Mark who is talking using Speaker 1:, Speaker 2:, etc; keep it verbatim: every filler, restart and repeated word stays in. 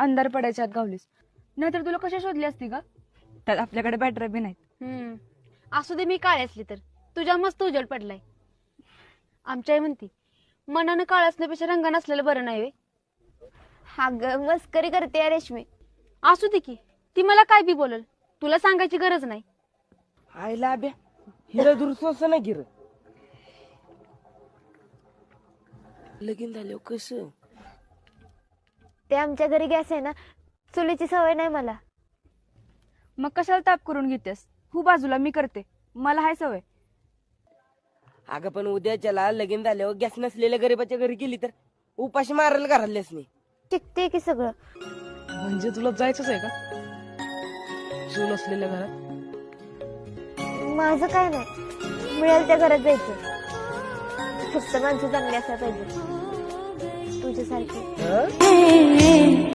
Speaker 1: अंधार पडायच्या आत गावलीस, नाहीतर तुला कशा शोधली असती का? त्यात आपल्याकडे बॅटरी बी नाहीत.
Speaker 2: हम्म असू दे, मी काळी असली तर तुझ्या मस्त उजेड पडलाय. आमच्या आई म्हणती मनानं काळ असण्यापेक्षा रंगानं असलेलं बरं नाही वे.
Speaker 3: अगं मस्करी करते रेशमी.
Speaker 2: असू दे की, ती मला काय बी बोलल, तुला सांगायची गरज नाही.
Speaker 4: आईला अभ्या हिरा दुरुस्त ना गिर लगीन झालं कसं?
Speaker 3: ते आमच्या घरी गॅस आहे ना, चुलीची सवय नाही मला.
Speaker 1: मग कशाला ताप करून घेतेस? हो बाजूला, मी करते, मला हाय सवय.
Speaker 4: अगं पण उद्याच्याला लगीन झाल्यावर गॅस नसलेल्या गरीबाच्या घरी गेली तर उपाशी मारायला घरातल्याच नाही.
Speaker 3: शिकते की सगळं.
Speaker 5: म्हणजे तुला जायचंच आहे का चूल असलेल्या घरात?
Speaker 3: माझं काय नाही, मिळेल त्या घरात जायचं. फक्त माणसं चांगली असायला पाहिजे तुझ्यासारखी.